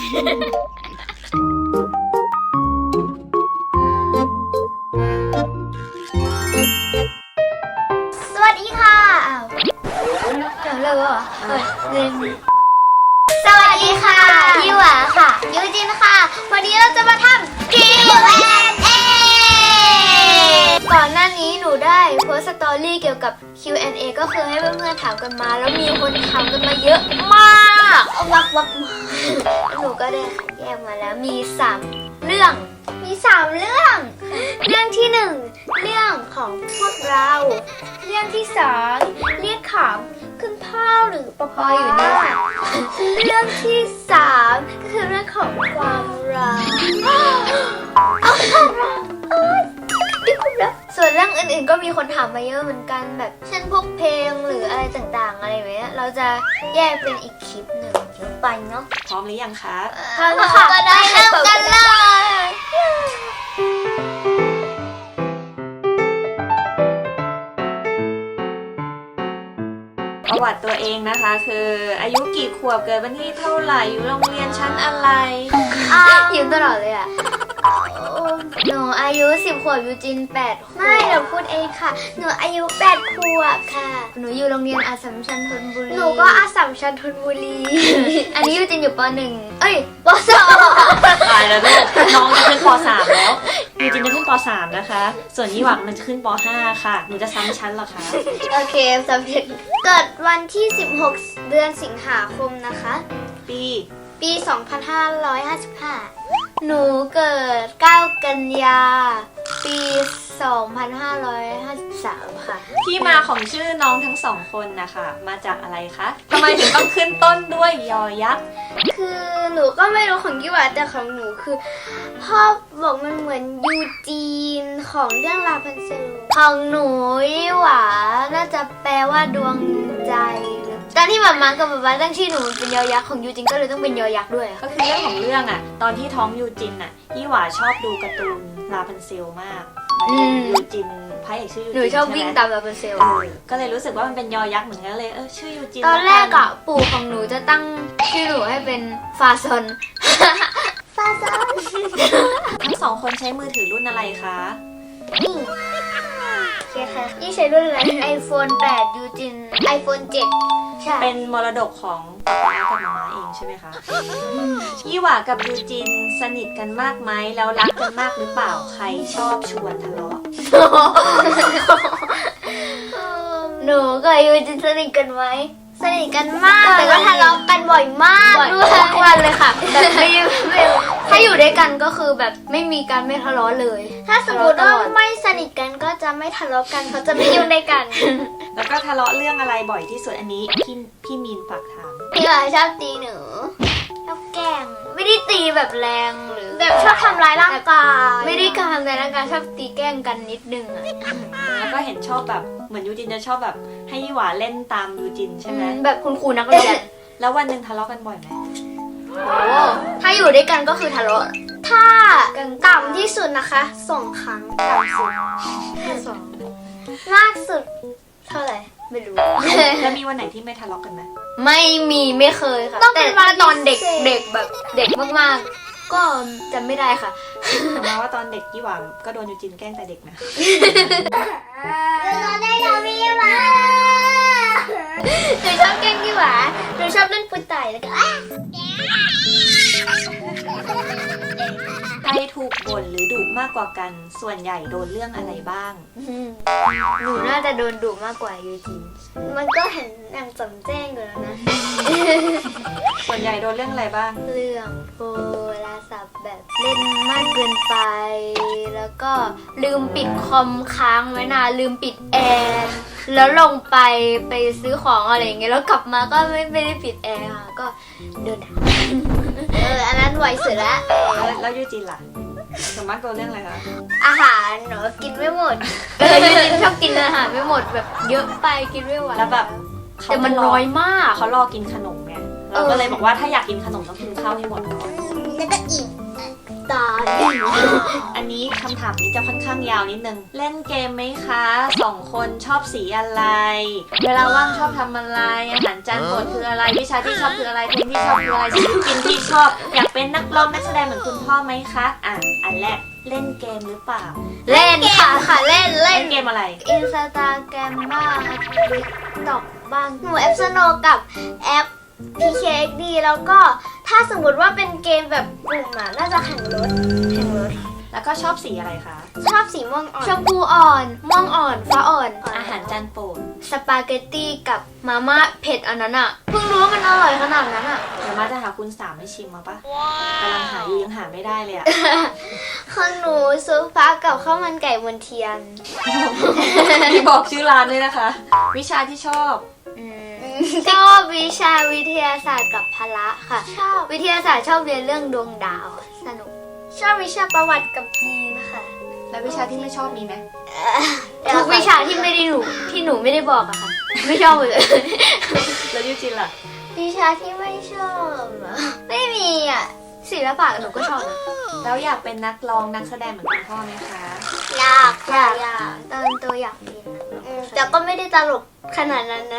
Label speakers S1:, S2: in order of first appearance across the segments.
S1: สวัสดีค่ะจบเลยเหรอเรียนสวัสดีค่ะยี่หวาค่ะยูจินค่ะวันนี้เราจะมาทำ Q&A ก่อนหน้านี้หนูได้โพสต์สตอรี่เกี่ยวกับ Q&A ก็คือให้เพื่อนๆถามกันมาแล้วมีคนถามกันมาเยอะมากวักหนูก็ได้แยกมาแล้วมี3เรื่องเรื่องที่1เรื่องของพวกเราเรื่องที่2เรียกขำคุณพ่อหรือปออยู่นี่ค่ะเรื่องที่3ก็คือเรื่องของความรักส่วนเรื่องอื่นๆก็มีคนถามมาเยอะเหมือนกันแบบเช่นพวกเพลงหรืออะไรต่างๆอะไรแบบนี้เราจะแยกเป็นอีกคลิปหนึ่งไปเนาะ
S2: พร้อมหรือยังคะ
S1: พร้อมค่ะก็ได้เริ่มกันเลย
S2: ประวัติตัวเองนะคะคืออายุกี่ขวบเกิดวันที่เท่าไหร่อยู่โรงเรียนชั้นอะไร
S1: ยิ้มตลอดเลยอ่ะหนูอายุ10 ขวบยูจิน8 ขวบไม่เราพูดเองค่ะหนูอายุ8 ขวบค่ะหนูอยู่โรงเรียนอัสสัมชัญธนบุรีหนูก็อัสสัมชัญธนบุรี อันนี้ยูจินอยู่ป .1 เอ้ยป .2
S2: ตายแล้วลูกน้องจะขึ้นป .3 แล้วยูจินจะขึ้นป .3 นะคะ ส่วนยี่หวังมันจะขึ้นป .5 ค่ะหนูจะซ้ำชั้นเหรอคะ
S1: โอเคสำเร็จเกิดวันที่16 เดือนสิงหาคมนะคะปี 2555 หนูเกิด 9 กันยา ปี 2553 ค่ะ
S2: ที่มาของชื่อน้องทั้งสองคนนะคะมาจากอะไรคะทำไมถึงต้องขึ้นต้นด้วยยอยักษ์
S1: คือหนูก็ไม่รู้ของยี่หวาแต่ของหนูคือพ่อบอกมันเหมือนยูจีนของเรื่องลาพันเซลของหนูยี่หวาน่าจะแปลว่าดวงใจตอนที่หมากับป๊าตั้งชื่อหนูเป็นยอยักษ์ของยูจินก็เลยต้องเป็นยอยักษ์ด้วย
S2: ก็คือเรื่องของเรื่องอะตอนที่ท้องยูจินอะยี่หว่าชอบดูการ์ตูนลาพันเซลมากยูจินพระเอกชื่อยูจิน
S1: หนูชอบวิ่งตามลาพันเซล
S2: ก็เลยรู้สึกว่ามันเป็นยอยักษ์เหมือนกันเลยชื่อยูจิน
S1: ตอนแรกอะปู่ของหนูจะตั้งชื่อหนูให้เป็นฟาซอน ฟาซอน
S2: ทั้งสองคนใช้มือถือรุ่นอะไรคะ
S1: นี่โอเคค่ะนี่ใช้รุ่นอะไร iPhone 8 ยูจิน iPhone 7 ใช่
S2: เป็นมรดกของป๊าป๊ากับมาม่าเองใช่ไหมคะ ยี่หว่ากับยูจินสนิทกันมากไหมแล้วรักกันมากหรือเปล่าใครชอบชวนทะเลาะ
S1: หนูกับยูจินสนิทกันไหมสนิทกันมากแต่ก็ทะเลาะกันบ่อยมากด้วยทุกวันเลยค่ะแบบไม่ถ้าอยู่ด้วยกันก็คือแบบไม่มีการไม่ทะเลาะเลย ถ้าสมมติว่าไม่สนิทกันก็จะไม่ทะเลาะกันเพราะจะไม่อยู่ด้วยกัน
S2: แล้วก็ทะเลาะเรื่องอะไรบ่อยที่สุดอันนี้พี่มีนฝากถาม
S1: พี่ก็ชอบตีหนูชอบแกล้งไม่ได้ตีแบบแรงหรือแบบชอบทำร้ายร่างกายไม่ได้การทำร้ายร่างกายชอบตีแกล้งกันนิดนึงอะ
S2: แล้วก็เห็นชอบแบบเหมือนยูจินจะชอบแบบให้ยี่หว่าเล่นตามยูจินใช่ไหม
S1: แบบคุณครูนักเรียน
S2: แล้ววันหนึ่งทะเลาะกันบ่อยไหม
S1: โอ้ถ้าอยู่ด้วยกันก็คือทะเลาะถ้าต่ำที่สุดนะคะ2 ครั้งต่ำสุดแค่2มากสุดเท่าไหร่ไม่รู้
S2: แล้วมีวันไหนที่ไม่ทะเลาะกันไหม
S1: ไม่เคยค่ะแต่ว่าตอนเด็กแบบเด็กมากๆก็จำไม่ได้ค่ะ
S2: แต่มาว่าตอนเด็กยี่หว่าก็โดนยูจินแกล้งแต่เด็กนะ
S1: เราได้ทำพี่หวาหนูชอบแกล้งพี่หวาหนูชอบเล่นปืนไต่แล้วก็
S2: ใครถูกบ่นหรือดุมากกว่ากันส่วนใหญ่โดนเรื่องอะไรบ้าง
S1: หนูน่าจะโดนดุมากกว่ายูจินมันก็เห็นอย่างจำแจ้งอยู่แล้วนะ
S2: ส่วนใหญ่โดนเรื่องอะไรบ้าง
S1: เรื่องโทรศัพท์แบบเล่นมากเกินไป แล้วก็ลืมปิดคอมค้างไว้นานลืมปิดแอร์แล้วลงไปซื้อของอะไรอย่างเงี้ยแล้วกลับมาก็ไม่ได้ปิดแอร์ค่ะก็เดินทางอันนั้นไหวสุดละ
S2: แล้วยูจินล่ะส่วนมากโดนเรื่องอะไรคะ
S1: อาหารหนูกินไม่หมดยูจินชอบกินอาหารไม่หมดแบบเยอะไปกินไม่ไหว
S2: แล้วแบบ
S1: แต่มันน้อยมาก
S2: เขารอกินขนมไงเราก็เลยบอกว่าถ้าอยากกินขนมต้องกินข้าวให้หมดก่อน
S1: แล้วก็อิ่มตาล
S2: อันนี้คำถามนี้จะค่อนข้างยาวนิดนึง เล่นเกมไหมคะสองคนชอบสีอะไร เวลาว่างชอบทำอะไร อาหารจานโปรดคืออะไร วิชาที่ชอบคืออะไร เพลงที่ชอบคืออะไรศิลปินที่ชอบ อยากเป็นนักร้องนักแสดงเหมือนคุณพ่อไหมคะ อันแรกเล่นเกมหรือเปล่า
S1: เล่นค่ะเล่น
S2: เล่นเกมอะไร
S1: อินสตาแกรมบ้างติ๊กต็อกบ้างหนูแอปสโนกับแอป PKXD แล้วก็ถ้าสมมติว่าเป็นเกมแบบกลุ่มอ่ะน่าจะแข่งรถ
S2: แล้วก็ชอบสีอะไรคะ
S1: ชอบสีม่วงอ่อนชมพูอ่อนม่วงอ่อนฟ้าอ่อน
S2: อาหารจานโปรด
S1: สปาเกตตี้กับมาม่าเผ็ดอันนั้นอ่ะเพิ่งรู้ว่ามันอร่อยขนาดนั้นอ่ะ
S2: เดี๋ยวมาจะหาคุณสามให้ชิมมาปะกำลังหาอยู่ยังหาไม่ได้เลยอะ
S1: ของหนูซุปฟ้ากับข้าวมันไก่มนเทียน
S2: ที่บอกชื่อร้านเลยนะคะ วิชาที่ชอบ
S1: ชอบวิชาวิทยาศาสตร์กับพละค่ะ ชอบวิทยาศาสตร์ชอบเรียนเรื่องดวงดาวสนุกชอบวิชาประวัติกับจีนนะคะ
S2: แล้ววิชาที่ไม่ชอบมีไหม
S1: ทุกวิชาที่ไม่ได้หนูที่หนูไม่ได้บอกอะค่ะ ไม่ชอบเลย
S2: แล้วยูจินล่ะ
S1: วิชาที่ไม่ชอบอะไม่มีอะศิลปะหนูก็ชอบนะ
S2: แล้วอยากเป็นนักร้องนักแสดงเหมือนคุณพ่อไหมคะ
S1: อยากตอนโตอยากเป็นแต่ก็ไม่ได้ตลกขนาดนั้นนะ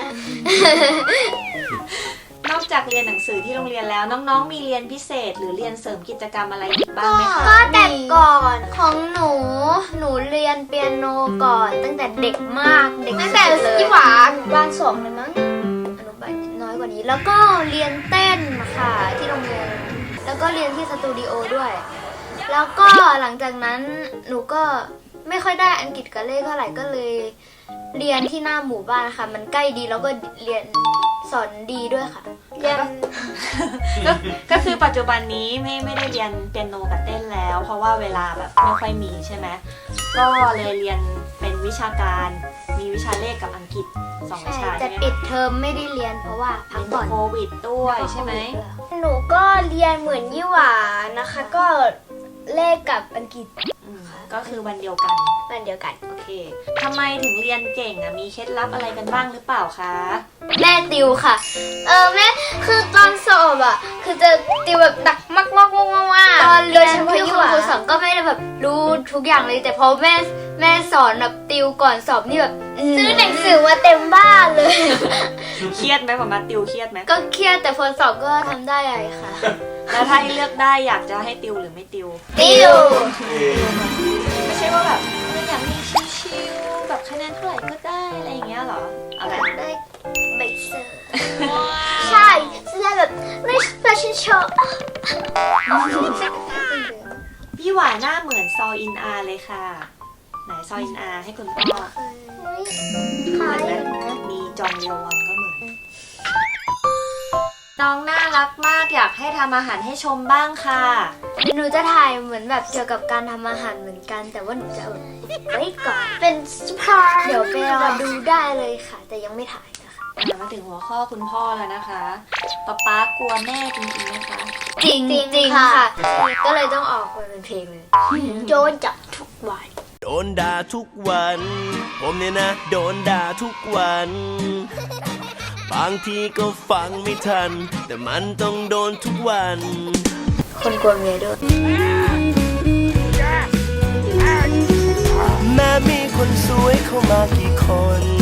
S2: นอกจากเรียนหนังสือที่โรงเรียนแล้วน้องๆ มีเรียนพิเศษหรือเรียนเสริมกิจกรรมอะไรอีกบ้างไหมคะ
S1: ก็แต่ก่อนของหนูเรียนเปียโนก่อนตั้งแต่เด็กมากเด็กตั้งแต่ยี่หวาบ้านสองเลยมั้งอนุบาลน้อยกว่านี้แล้วก็เรียนเต้นค่ะที่โรงเรียนแล้วก็เรียนที่สตูดิโอด้วย แล้วก็หลังจากนั้นหนูก็ไม่ค่อยได้อังกฤษกับเลขเท่าไหร่ก็เลยเรียนที่หน้าหมู่บ้านค่ะ มันใกล้ดีแล้วก็เรียนสอนดีด้วยค่ะเรียน
S2: ก็คือปัจจุบันนี้ไม่ได้เรียนเปียโนกับเต้นแล้ว เพราะว่าเวลาแบบไม่ค่อยมีใช่ไหมก็เลยเรียนเป็นวิชาการมีวิชาเลขกับอังกฤษ2วิชา
S1: แต่
S2: ใช่ไหม
S1: ปิดเทอมไม่ได้เรียนเพราะว่าพักก่อน
S2: โควิดด้วยใช่ไหม
S1: หนูก็เรียนเหมือนยี่หวานะคะ ก็เลขกับอังกฤษ
S2: ก็คือวันเดียวกัน
S1: มันเดียวกัน
S2: โอเคทำไมถึงเรียนเก่งมีเคล็ดลับอะไรกันบ้างหรือเปล่าคะ
S1: แม่ติวค่ะ แม่คือตอนสอบอ่ะ คือจะติวแบบหนักมากตอนเรียนที่คุณครูสอนก็ไม่ได้แบบรู้ทุกอย่างเลย แต่พอแม่สอนแบบติวก่อนสอบนี่แบบซื้อหนังสือมาเต็มบ้านเลย
S2: เครียดไหมผมมาติวเครียดไหม
S1: ก็เครียดแต่พอสอบก็ทำได้เลยค่ะ
S2: แล้วถ้าให้เลือกได้อยากจะให้ติวหรือไม่ติว
S1: ติว
S2: ไม่ใช่ว่าแบบอยากมีชิวๆแบบคะแนนเท่าไหร่ก็ได้อะไรอย่างเงี้ยเหรออะไร
S1: ได้ใบเซอร์ใช่จะได้แบบไม่แฟชั่นโชว์
S2: พี่หวานหน้าเหมือนซออินอาเลยค่ะไหนซออินอาให้คุณพ่อเหมือนนะมีจองเลียววอนก็เหมือนน้องน่ารักมากอยากให้ทำอาหารให้ชมบ้างค่ะ
S1: หนูจะถ่ายเหมือนแบบเกี่ยวกับการทำอาหารเหมือนกัน แต่ว่าหนูจะเอาไว้ก่อนเป็นสปาร์เดี๋ยวไปรอดูได้เลยค่ะ แต่ยังไม่ถ่ายนะคะ
S2: มาถึงหัวข้อคุณพ่อแล้วนะคะป๊ากลัวแม่จริงๆไหมคะ
S1: จริงค่ะ ก็เลยต้องออกมาเป็นเพลงเลยโดนจับทุกวัน
S3: โดนด่าทุกวัน ผมเนี่ยนะ โดนด่าทุกวัน บางทีก็ฟังไม่ทัน แต่มันต้องโดนทุกวัน
S1: คนกลัวเมียด้วย
S3: แม้มีคนสวยเข้ามากี่คน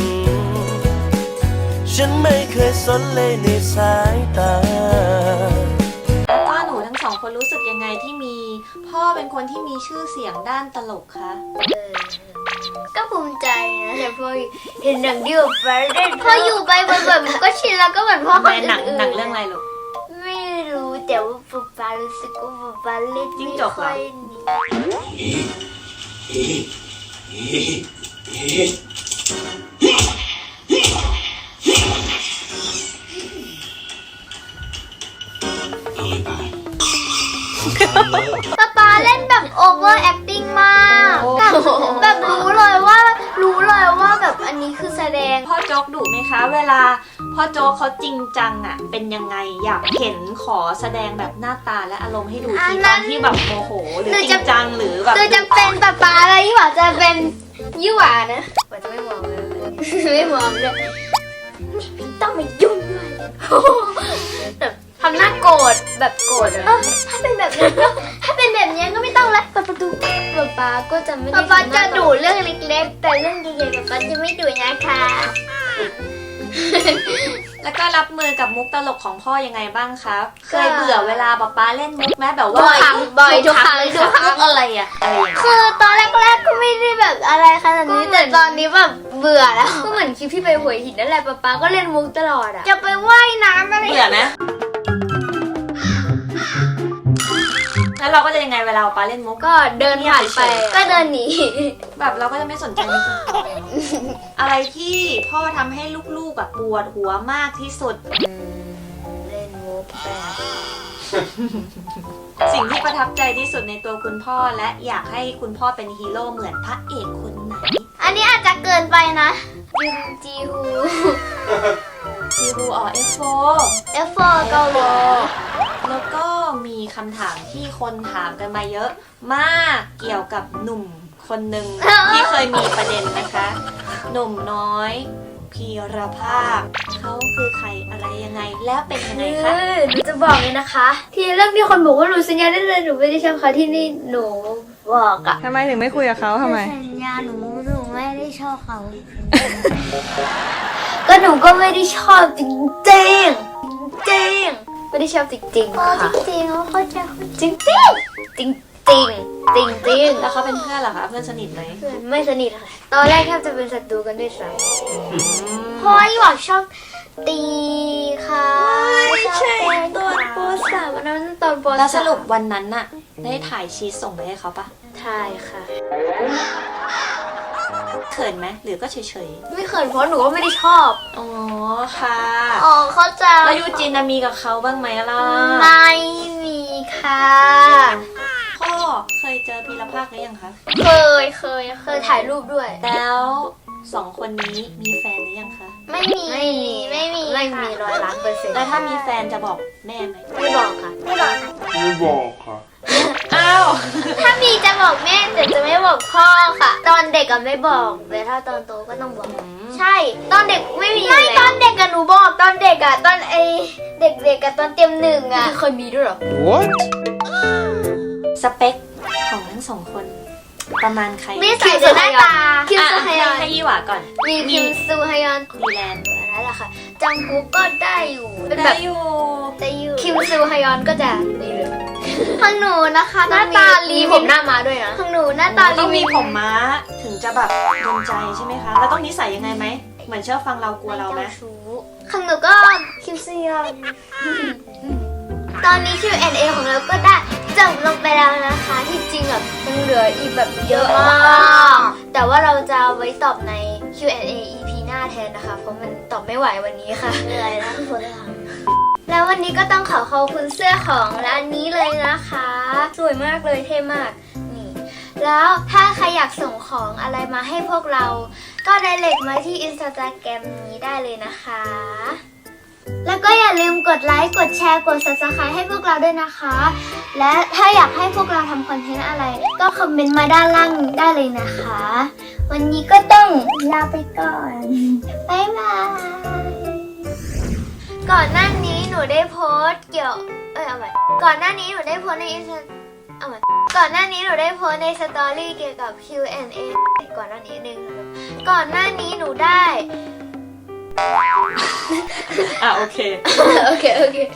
S3: ฉันไม่เคยสนเลยในสายตา
S2: แล้วก็หนูทั้งสองคนรู้สึกยังไงที่มีพ่อเป็นคนที่มีชื่อเสียงด้านตลกคะ
S1: ก็ภูมิใจนะแต่พอเห็นหนังที่แบบพออยู่ไปแบบก็ชินแล้วก็เหมือนพ่อคนอื่น
S2: หนังเรื่องอะไรลูก
S1: ไม่รู้แต่ว่าป๊าป๊ารู้สึกว่าป๊าป๊าเล่น
S2: จิ้ง
S1: ไม่
S2: จกเหรอ
S1: ค่อยดีป๊าเล่นแบบ over acting มากแบบรู้เลยว่าแบบอันนี้คือแสดง
S2: พ่อโจ๊กดุไหมคะ เวลาพ่อโจ๊กเขาจริงจังเป็นยังไงอยากเห็นขอแสดงแบบหน้าตาและอารมณ์ให้ดูทีตอนที่แบบโมโหหรือจริงจังหรือแบบ
S1: คือจะเป็นป๊าอะไรยี่หว่าจะเป็นยี่หว่านะว่าจะไม่มองเลยไม่มองเลยไม่ต้องมายุ่งด้วยแบบทำหน้าโกรธแบบโกรธถ้าเป็นแบบนี้ก็ถ้าเป็นแบบนี้ก็ไม่เปิดประตูป๊าก็จะไม่ได้ป๊าจะดุเรื่องเล็กๆแต่เรื่องใหญ่ๆป๊าจะไม่ดุนะคะ
S2: แล้วก็รับมือกับมุกตลกของพ่อยังไงบ้างครับ เคยเบื่อเวลาป๊าเล่นมุกไหมแบบว่า
S1: บ่อยทุกครั้ง
S2: ทุกครั้งอะไรอะอะไรอย่างเงี้ย
S1: คือตอนแรกๆก็ไม่ได้แบบอะไรขนาดนี้แต่ตอนนี้แบบเบื่อแล้วก็เหมือนคลิปที่ไปหัวหินนั่นแหละป๊าก็เล่นมุกตลอดอ่ะจะไปว่ายน้ำอะไร
S2: เบื่อนะแล้วเราก็จะยังไงเวลาป๊าเล่นมุก
S1: ก็เดินผ่านไปก็เดินหนี
S2: แบบเราก็จะไม่สนใจมุกอะไรที่พ่อทำให้ลูกๆแบบปวดหัวมากที่สุด
S1: เล่นมุกแบบ
S2: สิ่งที่ประทับใจที่สุดในตัวคุณพ่อและอยากให้คุณพ่อเป็นฮีโร่เหมือนพระเอกคนไหน
S1: อันนี้อาจจะเกินไปนะยุนจีฮู
S2: ซีรูออF4
S1: F4 เกาหลี
S2: แล้วก็มีคำถามที่คนถามกันมาเยอะมากเกี่ยวกับหนุ่มคนหนึ่งที่เคยมีประเด็นนะคะ หนุ่มน้อยพีรภาพเขาคือใครอะไรยังไงแล้วเป็นยังไงคะ
S1: หนูจะบอกเลยนะคะ ที่เรื่องที่คนบอกว่าหนูสัญญาได้เลยหนูไม่ได้ชอบเขาที่นี่หนูบอกอะ
S4: ทำไมถึงไม่คุยกับเขาทำไม
S1: สัญญาหนูไม่ได้ชอบเขา ก็หนูก็ไม่ได้ชอบจริงจริงไม่ได้ชอบจริงๆค่ะจริงๆเขาจะจริงจริงๆ
S2: แล้วเขาเป็นเพื่อนเหรอคะเพื่อนสนิทไหม
S1: ไม่สนิทค่ะตอนแรกแทบจะเป็นศัตรูกันด้วยซ้ำเพราะว่าหยอกชอบตีค่ะชอบเต้นตอนป .3 อันนั้นตอนป .3
S2: แล้วสรุปวันนั้นน่ะได้ถ่ายชีทส่งไปให้เขาปะ
S1: ใช่ค่ะ
S2: เขินไหมหรือก็เฉย
S1: ไม่เขินเพราะหนูก็ไม่ได้ชอบ
S2: ๆอ๋อค่ะ
S1: อ๋อเขาใจ
S2: แล้วยูจินน่ะมีกับเขาบ้างไหมล่ะ
S1: ไม่มีค่ะ
S2: พ่อเคยเจอพีรภาคหรือยังคะ
S1: เคยถ่ายรูปด้วย
S2: แล้วสองคนนี้มีแฟนหรือยังคะ
S1: ไม่มี100%
S2: แล้วถ้ามีแฟนจะบอกแม่ไหม
S1: ไม่บอกค่ะ
S2: อ้าว
S1: ถ้ามีจะบอกแม่แต่จะไม่บอกพ่อค่ะ ตอนเด็กก็ไม่บอกแต่ถ้าตอนโตก็ต้องบอก ใช่ ตอนเด็กไม่มีไม่ตอนเด็กอะหนูบอกตอนเด็กอะตอนเด็กๆอะตอนเตรียมหนึ่งอะเคยมีด้วยหรอ
S2: สเปคของทั้งสองคน ประมาณใคร
S1: นิสัยหรือหน้าตาคิม
S2: อ่ะ
S1: ซูฮยอน
S2: ให้ยี่หวาก่อน
S1: มีคิมซูฮยอน
S2: ดีแลนด์
S1: นั่นแหละค่ะจังกุ๊กก็ได้อยู่เป็นแบ
S2: ได้
S1: บ
S2: อยู่
S1: คิมซูฮยอนก็จะดีเลยของหนูนะคะหน้าตาลีผมหน้ามาด้วยนะของหนูหน้าตาลี
S2: ต้องมีผมม้าถึงจะแบบโดนใจใช่ไหมคะ แล้วต้องนิสัยยังไงไหม เหมือนเชื่อฟังเรากลัวเราไหม
S1: ของหนูก็คิมซูฮยอนตอนนี้ Q&A ของเราก็ได้จบลงไปแล้วนะคะที่จริงแบบยังเหลืออีกแบบเยอะมากแต่ว่าเราจะไว้ตอบใน Q&A EP หน้าแทนนะคะเพราะมันตอบไม่ไหววันนี้ค่ะเหนื่อยนะทุกคนแล้ววันนี้ก็ต้องขอบคุณเสื้อของร้านนี้เลยนะคะสวยมากเลยเท่มากนี่แล้วถ้าใครอยากส่งของอะไรมาให้พวกเราก็directมาที่ Instagram นี้ได้เลยนะคะแล้วก็อย่าลืมกดไลค์กดแชร์กด Subscribe ให้พวกเราด้วยนะคะ และถ้าอยากให้พวกเราทำคอนเทนต์อะไรก็คอมเมนต์มาด้านล่างได้เลยนะคะ วันนี้ก็ต้องลาไปก่อนบ๊ายบายก่อนหน้านี้หนูได้โพสต์เกี่ยวเอาใหม่ก่อนหน้านี้หนูได้โพสต์ในเอาใหม่ก่อนหน้านี้หนูได้โพสต์ในสตอรี่เกี่ยวกับ Q&A ก่อนหน้านี้นึงก่อนหน้านี้หนูได้
S2: อ่ะโอเค
S1: โอเค